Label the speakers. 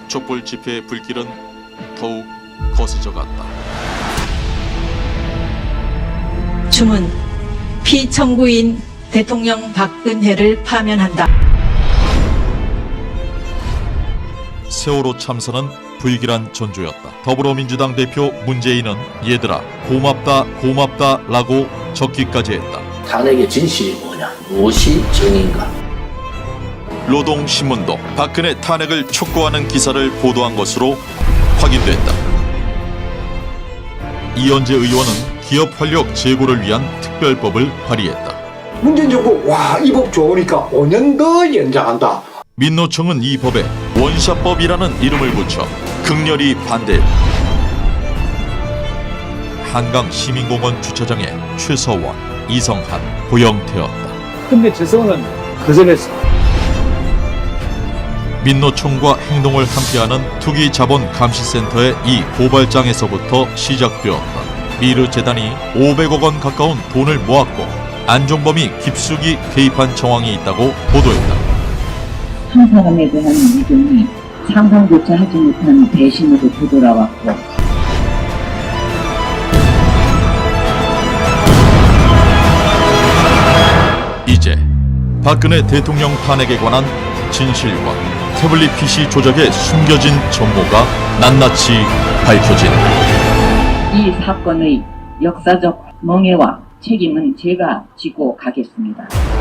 Speaker 1: 촛불 집회의 불길은 더욱 거세져 갔다.
Speaker 2: 주문 피청구인 대통령 박근혜를 파면한다.
Speaker 1: 세월호 참사는 불길한 전조였다. 더불어민주당 대표 문재인은 얘들아 고맙다 고맙다 라고 적기까지 했다.
Speaker 3: 탄핵의 진실이 뭐냐, 무엇이 정의인가.
Speaker 1: 노동신문도 박근혜 탄핵을 촉구하는 기사를 보도한 것으로 확인됐다. 이현재 의원은 기업 활력 제고를 위한 특별법을 발의했다.
Speaker 4: 문재인 정부 이 법 좋으니까 5년 더 연장한다.
Speaker 1: 민노총은 이 법에 원샷법이라는 이름을 붙여 극렬히 반대했다. 한강 시민공원 주차장에 최서원, 이성한, 고영태였다.
Speaker 5: 근데 재성은 거절했어.
Speaker 1: 민노총과 행동을 함께하는 투기자본감시센터의 이 고발장에서부터 시작되었다. 미르재단이 500억 원 가까운 돈을 모았고 안종범이 깊숙이 개입한 정황이 있다고 보도했다.
Speaker 6: 한 사람에 대한 믿음이 상상조차 하지 못한 배신으로 되돌아왔고
Speaker 1: 이제 박근혜 대통령 탄핵에 관한 진실과 태블릿 PC 조작의 숨겨진 전모가 낱낱이 밝혀진다.
Speaker 6: 이 사건의 역사적 멍해와 책임은 제가 지고 가겠습니다.